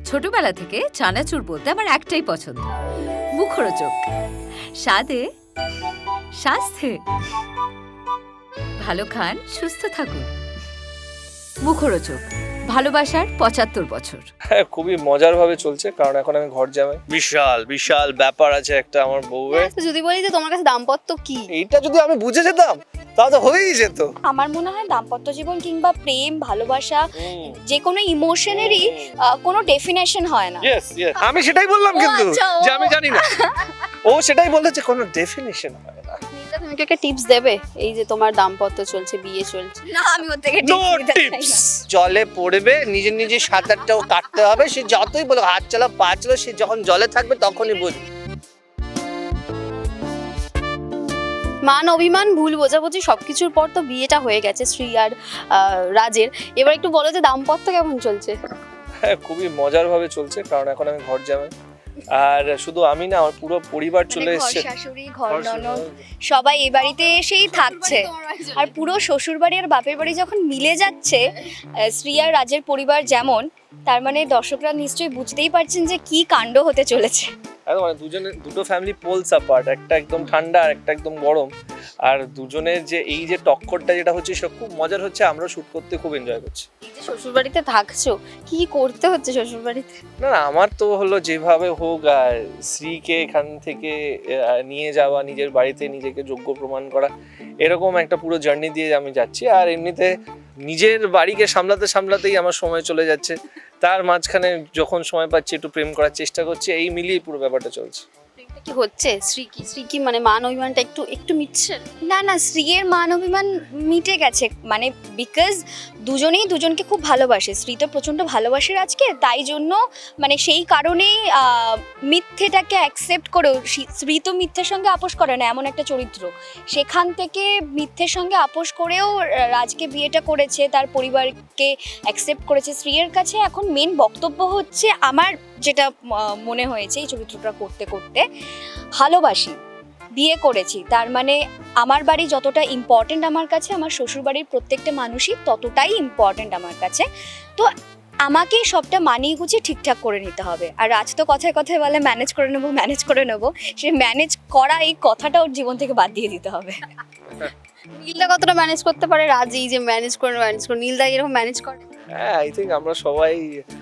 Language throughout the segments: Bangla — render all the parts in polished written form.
ছোটবেলা থেকে চানাচুর বলতে আমার একটাই পছন্দ, মুখরোচক, স্বাদে স্বাস্থ্যে। ভালো খান, সুস্থ থাকুন। মুখরোচক, ভালোবাসার ৭৫ বছর। হ্যাঁ, খুবই মজার ভাবে চলছে, কারণ এখন আমি ঘর জামাই। বিশাল বিশাল ব্যাপার আছে একটা আমার বউয়ের। যদি বলি যে তোমার কাছে দাম্পত্য কি, এইটা যদি আমি বুঝে যেতাম তাহলে তো হয়েই যেত। আমার মনে হয় দাম্পত্য জীবন কিংবা প্রেম ভালোবাসা যে কোনো ইমোশনেরই কোনো ডেফিনেশন হয় না। ইয়েস ইয়েস, আমি সেটাই বললাম, কিন্তু আচ্ছা, যে আমি জানি না। ও সেটাই বলতে যে কোনো ডেফিনিশন হয় না। নীলা, তুমি কি একটা টিপস দেবে? এই যে তোমার দাম্পত্য চলছে, বিয়ে চলছে, না আমি ওর থেকে নো টিপস। জলে পড়বে, নিজে নিজে সাঁতারটাও কাটতে হবে। সে যতই বলো হাত চালা পা চালা, সে যখন জলে থাকবে তখনই বুঝবে। মান অভিমান ভুল বোঝাবুঝি সবকিছুর পর তো বিয়েটা হয়ে গেছে শ্রী আর রাজের। এবার একটু বলো যে দাম্পত্য কেমন চলছে? হ্যাঁ, খুবই মজার ভাবে চলছে, কারণ এখন আমি ঘর জামাই। আর শুধু আমি না, আমার পুরো পরিবার চলে ঘর এসেছে। শাশুড়ি, ঘর ননদ সবাই এই বাড়িতে এসেই থাকছে। আর পুরো শ্বশুর বাড়ি আর বাপের বাড়ি যখন মিলে যাচ্ছে শ্রী আর রাজের পরিবার যেমন, তার মানে দর্শকরা নিশ্চয়ই বুঝতেই পারছেন যে কি কাণ্ড হতে চলেছে। একদম, মানে দুটো ফ্যামিলি পোলস অ্যাপার্ট, একটা একদম ঠান্ডা আর একটা একদম গরম। আর দুজনের যে এই যে টক্করটা যেটা হচ্ছে সেটা খুব মজার হচ্ছে। আমরা শুট করতে খুব এনজয় করছি। এই যে শ্বশুর বাড়িতে থাকছো, কি করতে হচ্ছে শ্বশুর বাড়িতে? না না, আমার তো হলো যেভাবে হোক শ্রীকে এখান থেকে নিয়ে যাওয়া, নিজের বাড়িতে নিজেকে যোগ্য প্রমাণ করা, এরকম একটা পুরো জার্নি দিয়ে আমি যাচ্ছি। আর এমনিতে নিজের বাড়িকে সামলাতে সামলাতেই আমার সময় চলে যাচ্ছে। তার মাঝখানে যখন সময় পাচ্ছি একটু প্রেম করার চেষ্টা করছি, এই মিলিয়ে পুরো ব্যাপারটা চলছে। কি হচ্ছে? শ্রী কি মানে মান অভিমানটা একটু একটু মিটছে? না না, শ্রীয়ের মান অভিমান মিটে গেছে, মানে বিকজ দুজনেই দুজনকে খুব ভালোবাসে। শ্রী তো প্রচণ্ড ভালোবাসে আজকে, তাই জন্য মানে সেই কারণেই মিথ্যেটাকে অ্যাকসেপ্ট করেও, শ্রী তো মিথ্যের সঙ্গে আপোষ করে না, এমন একটা চরিত্র। সেখান থেকে মিথ্যের সঙ্গে আপোষ করেও রাজকে বিয়েটা করেছে, তার পরিবারকে অ্যাকসেপ্ট করেছে। শ্রীয়ের কাছে এখন মেন বক্তব্য হচ্ছে, আমার যেটা মনে হয়েছে এই চরিত্রটা করতে করতে, ভালোবাসি, বিয়ে করেছি, তার মানে আমার বাড়ি যতটা ইম্পর্টেন্ট আমার কাছে, আমার শ্বশুরবাড়ির প্রত্যেকটা মানুষই ততটাই ইম্পর্টেন্ট আমার কাছে। তো আমাকেই সবটা মানিয়ে গুছিয়ে ঠিকঠাক করে নিতে হবে। আর রাজ তো কথায় কথায় বলে ম্যানেজ করে নেবো। সে ম্যানেজ করা এই কথাটা ওর জীবন থেকে বাদ দিয়ে দিতে হবে। নীলদা কতটা ম্যানেজ করতে পারে? রাজ এই যে ম্যানেজ করে নীলদা এরকম ম্যানেজ করে? হ্যাঁ, আই থিঙ্ক আমরা সবাই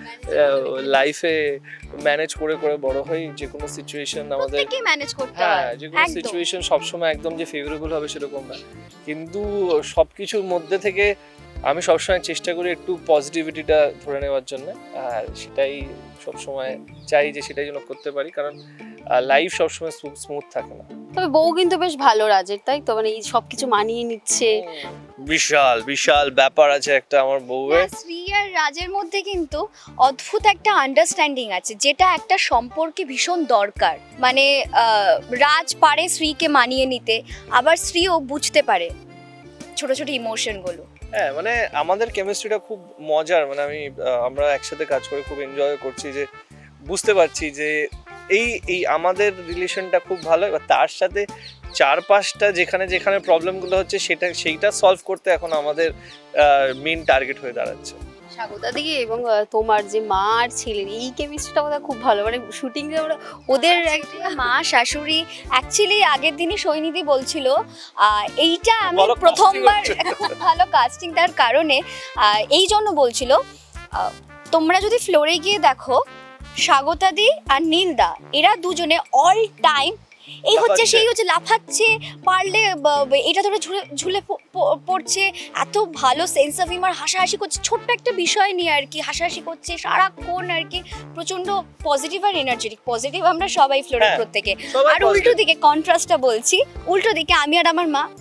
লাইফে ম্যানেজ করে করে বড় হই। যে কোনো সিচুয়েশন আমাদের প্রত্যেককেই ম্যানেজ করতে হ্যাঁ, হয়। যে কোনো একদম। সিচুয়েশন সবসময় একদম যে ফেভারেবল হবে সেরকম না, কিন্তু সবকিছুর মধ্যে থেকে আমি সবসময় চেষ্টা করি একটু পজিটিভিটিটা ধরে নেওয়ার জন্য। আর সেটাই সবসময় চাই যে সেটাই যেন করতে পারি, কারণ লাইফ সবসময় স্মুথ থাকে না। তবে বউ কিন্তু বেশ ভালো রাজের, তাই তো? মানে এই সবকিছু মানিয়ে নিচ্ছে। বিশাল বিশাল ব্যাপার আছে একটা আমার বউয়ের। শ্রী আর রাজের মধ্যে কিন্তু অদ্ভুত একটা আন্ডারস্ট্যান্ডিং আছে, যেটা একটা সম্পর্কে ভীষণ দরকার। মানে রাজ পারে শ্রীকে মানিয়ে নিতে, আবার শ্রীও বুঝতে পারে ছোট ছোট ইমোশনগুলো। হ্যাঁ, মানে আমাদের কেমিস্ট্রিটা খুব মজার। মানে আমরা একসাথে কাজ করে খুব এনজয় করছি, যে বুঝতে পারছি যে এই আমাদের রিলেশনটা খুব ভালো। এবার তার সাথে চারপাশটা যেখানে যেখানে প্রবলেমগুলো হচ্ছে সেইটা সলভ করতে এখন আমাদের মেইন টার্গেট হয়ে দাঁড়াচ্ছে। স্বাগতা দিকে এবং তোমার যে মা আর ছেলের এই কেমিস্ট্রিটা ওদের খুব ভালো, মানে শুটিং এ ওদের মা শাশুড়ি। অ্যাকচুয়ালি আগের দিনই সৈনিধি বলছিল এইটা আমি ভালো প্রথমবার casting হচ্ছে। খুব ভালো কাস্টিং, তার কারণে এই জন্য বলছিল, তোমরা যদি ফ্লোরে গিয়ে দেখো স্বাগতা দি আর নীলদা, এরা দুজনে অল টাইম এই হচ্ছে সেই হচ্ছে লাফাচ্ছে, পারলে এটা ধরে ঝুলে পড়ছে, এত ভালো সেন্স অফ হিউমার, হাসাহাসি করছে ছোট্ট একটা বিষয় নিয়ে আর কি, হাসাহাসি করছে সারাক্ষণ আর কি। প্রচন্ড পজিটিভ আর এনার্জেটিক। পজিটিভ আমরা সবাই ফ্লোরে হ্যাঁ, প্রত্যেকে। সবাই আর উল্টো positive। দিকে কন্ট্রাস্টটা বলছি, উল্টো দিকে আমি আর আমার মা।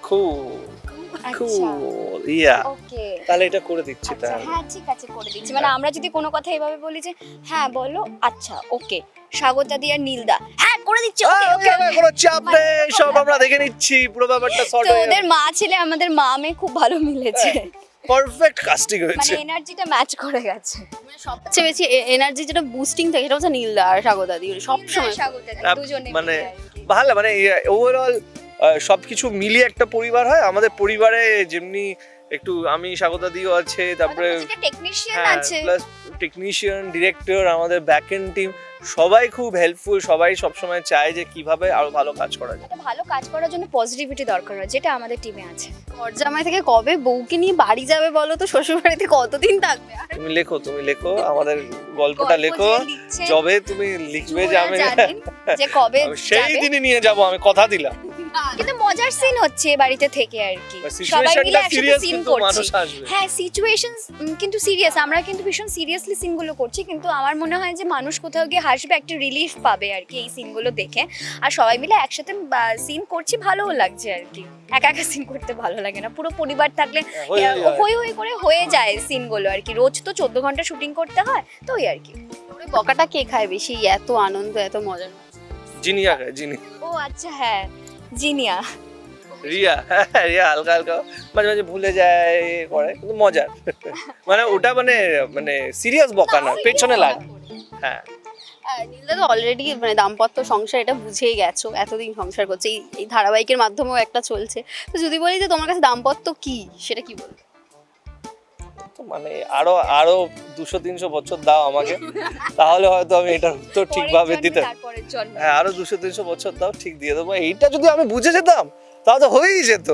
Cool, yeah. ওকে, তাহলে এটা করে দিচ্ছি তাহলে। হ্যাঁ ঠিক আছে, করে দিচ্ছি। মানে আমরা যদি কোনো কথা এভাবে বলি যে হ্যাঁ বলো, আচ্ছা ওকে, স্বাগতা দি আর নীলদা, হ্যাঁ করে দিচ্ছি, ওকে ওকে। কোনো চাপ নেই, সব আমরা দেখে নিচ্ছি, পুরো ব্যাপারটা সর্ট তো হয়ে ওদের মা ছেলে, আমাদের মা মেয়ে খুব ভালো মিলেছে, পারফেক্ট কাস্টিং মানে হয়েছে। এনার্জিটা ম্যাচ করে গেছে। মানে সবচেয়ে বেশি এনার্জি যেটা বুস্টিং থাকে সেটা হচ্ছে নীলদা আর স্বাগতা দি, সব সময় স্বাগতা দি, দুজনে মানে মিলে আর কি। ভালো, মানে ওভারঅল সবকিছু মিলিয়ে একটা পরিবার হয়। আমাদের পরিবারে যেমনি একটু আমি স্বাগতা দিও আছে, তারপরে টেকনিশিয়ান হ্যাঁ আছে। প্লাস টেকনিশিয়ান, ডিরেক্টর, আমাদের ব্যাক এন্ড টিম সবাই খুব হেল্পফুল। সবাই সবসময় চায় যে কিভাবে আরো ভালো কাজ করা যায়। একটা ভালো কাজ করার জন্য পজিটিভিটি দরকার হয়, যেটা আমাদের টিমে আছে। ঘরজামাই থেকে কবে বউকে নিয়ে বাড়ি যাবে বলো তো? শ্বশুর বাড়িতে কতদিন থাকবে? আর তুমি লেখো আমাদের গল্পটা গল্প লেখো, যে লিখছেন, যবে তুমি লিখবে যে আমি জানেন যে কবে সেই যাবে। দিনই নিয়ে যাব, আমি কথা দিলাম। কিন্তু মজার সিন হচ্ছে এ বাড়িতে থেকে আর কি, সবাই মিলে সিচুয়েশনটা একসাথে সিরিয়াস, সিন কিন্তু করছি। মানুষ আসবে। হ্যাঁ সিচুয়েশন কিন্তু সিরিয়াস, আমরা কিন্তু ভীষণ সিরিয়াসলি সিনগুলো করছি, কিন্তু আমার মনে হয় যে মানুষ কোথাও গিয়ে হাসবে, একটা রিলিফ পাবে আর কি এই সিনগুলো দেখে। আর সবাই মিলে একসাথে সিন করছি, ভালোও লাগছে আর কি। একা একা সিন করতে ভালো লাগে না, পুরো পরিবার থাকলে হই হই করে হয়ে যায় সিনগুলো আর কি। রোজ তো 14 ঘন্টা শুটিং করতে হয়, তো ওই আর কি। বকাটা কে খায় বেশি? এত আনন্দ, এত মজার। জিনিয়া খায়, জিনি। ও আচ্ছা, হ্যাঁ জিনিয়া। রিয়া, রিয়া হালকা হালকা মাঝে মাঝে ভুলে যায় করে, কিন্তু মজার। মানে ওটা মানে সিরিয়াস বকা না, পেছনে লাগে। হ্যাঁ নীলদা তো অলরেডি মানে দাম্পত্য সংসার এটা বুঝেই গেছো, এতদিন সংসার করছে, এই ধারাবাহিকের মাধ্যমেও একটা চলছে। তো যদি বলি যে তোমার কাছে দাম্পত্য কি, সেটা কি বলবে? তো মানে আরো 200-300 বছর দাও আমাকে, তাহলে হয়তো আমি এটার উত্তর ঠিকভাবে দিতে। হ্যাঁ আরো 200-300 বছর দাও, ঠিক দিয়ে দেবো। এইটা যদি আমি বুঝে যেতাম তাহলে তো হয়েই যেত।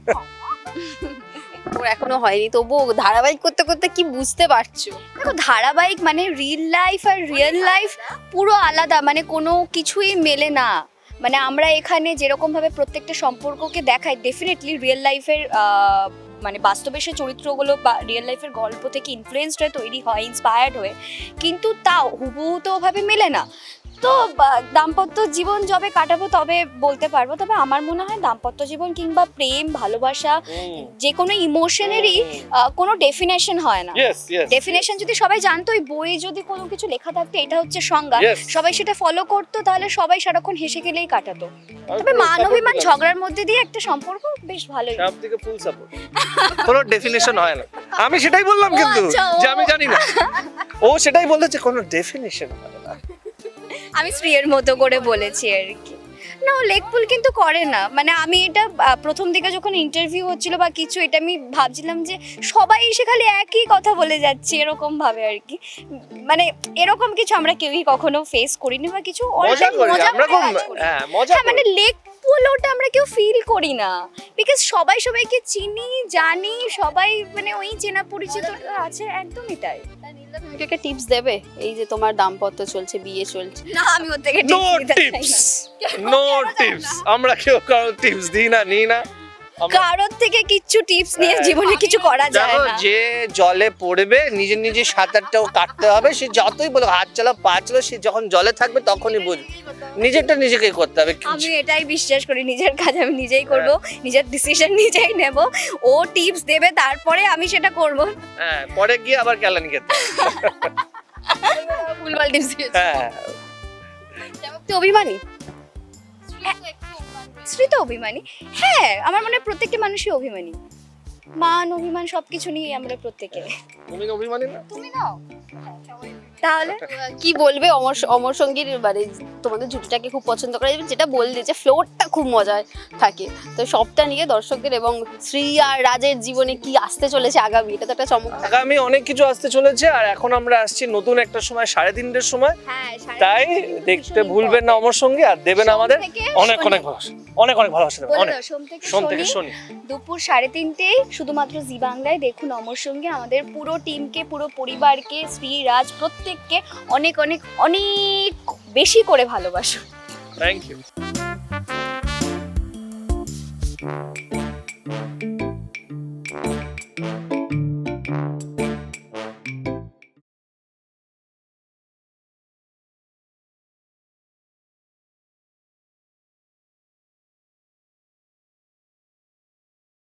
ওর এখনো হয়নি, তবুও ধারাবাহিক করতে করতে কি বুঝতে পারছো? দেখো ধারাবাহিক মানে রিল লাইফ আর রিয়েল লাইফ পুরো আলাদা, মানে কোনো কিছুই মেলে না। মানে আমরা এখানে যেরকম ভাবে প্রত্যেকটা সম্পর্ককে দেখাই, ডেফিনেটলি রিয়েল লাইফের মানে বাস্তবে সে চরিত্রগুলো বা রিয়েল লাইফের গল্প থেকে ইনফ্লুয়েন্সড হয়ে তৈরি হয়, ইন্সপায়ার্ড হয়ে, কিন্তু তাও হুবহু তো ওভাবে মেলে না। তো দাম্পত্য জীবন যবে কাটাবো তবে বলতে পারবো। তবে আমার মনে হয় দাম্পত্য জীবন কিংবা প্রেম ভালোবাসা যে কোনো ইমোশনেরই কোনো ডেফিনেশন হয় না। ডেফিনেশন যদি সবাই জানতো, ওই বই যদি কোনো কিছু লেখা থাকতো এটা হচ্ছে সংজ্ঞা, সবাই সেটা ফলো করতো, তাহলে সবাই সারাক্ষণ হেসে খেলেই কাটাতো। তবে মান অভিমান ঝগড়ার মধ্যে দিয়ে একটা সম্পর্ক বেশ ভালোই। সব থেকে ফুল সাপোর্ট, কোনো ডেফিনেশন হয় না। আমি সেটাই বললাম, কিন্তু যে আমি জানি না, ও সেটাই বলেছে কোনো ডেফিনেশন হয় না। আমি শ্রীয়ের মতো করে বলেছি আর কি। না ও লেকপুল কিন্তু করে না, মানে আমি এটা প্রথম দিকে যখন ইন্টারভিউ হচ্ছিল বা কিছু, এটা আমি ভাবছিলাম যে সবাই এসে খালি একই কথা বলে যাচ্ছে এরকম ভাবে আর কি। মানে এরকম কিছু আমরা কেউই কখনো ফেস করিনি বা কিছু। মজা করি আমরা, খুব হ্যাঁ মজা করি। মানে লেকপুল ওটা আমরা কেউ ফিল করি না, বিকজ সবাই সবাইকে চিনি জানি, সবাই মানে ওই চেনা পরিচিত আছে, একদমই তাই। তুমি একটা টিপস দেবে এই যে তোমার দাম্পত্য চলছে, বিয়ে চলছে? না আমি ওর থেকে নো টিপস, আমরা কেউ কারো টিপস দিই না, নিই না। কারোর থেকে কিচ্ছু টিপস নিয়ে জীবনে কিছু করা যায় না। যে জলে পড়বে নিজে নিজে সাঁতারটাও কাটতে হবে। সে যতই বলো হাত চালাও পা চালাও, সে যখন জলে থাকবে তখনই বুঝবে নিজেরটা নিজেকেই করতে হবে। আমি এটাই বিশ্বাস করি, নিজের কাজ আমি নিজেই করব, নিজের ডিসিশন নিজেই নেব। ও টিপস দেবে তারপরে আমি সেটা করব। হ্যাঁ পরে গিয়ে আবার কেলানি খেতে ভুলভাল টিপস দিয়েছে। হ্যাঁ তুই অভিমানী? শ্রী তো অভিমানী। হ্যাঁ আমার মনে হয় প্রত্যেকটা মানুষই অভিমানী, মান অভিমান সবকিছু নিয়ে আমরা প্রত্যেকে। তুমি অভিমানী না? তুমি নাও তাহলে কি বলবে? অমর সঙ্গীর মানে তোমাদের জুটিটাকে খুব পছন্দ করে, যেটা বললে যে ফ্লোরটা খুব মজার থাকে, তো সবটা নিয়ে দর্শকদের এবং শ্রী আর রাজের জীবনে কি আসতে চলেছে আগামী, এটা তো একটা চমক। আগামী অনেক কিছু আসতে চলেছে, আর এখন আমরা আসছি নতুন একটা সময় 3:30টার সময়। হ্যাঁ তাই দেখতে ভুলবেন না অমর সঙ্গী, আর দেবেন আমাদের অনেক অনেক ভালোবাসা, অনেক অনেক ভালোবাসা দেবেন। অনেক সোম থেকে শনি দুপুর 3:30 শুধুমাত্র জি বাংলায় দেখুন অমর সঙ্গী। আমাদের পুরো টিমকে, পুরো পরিবারকে, শ্রী রাজ প্রত্যেককে অনেক অনেক অনেক বেশি করে ভালোবাসুন। Thank you.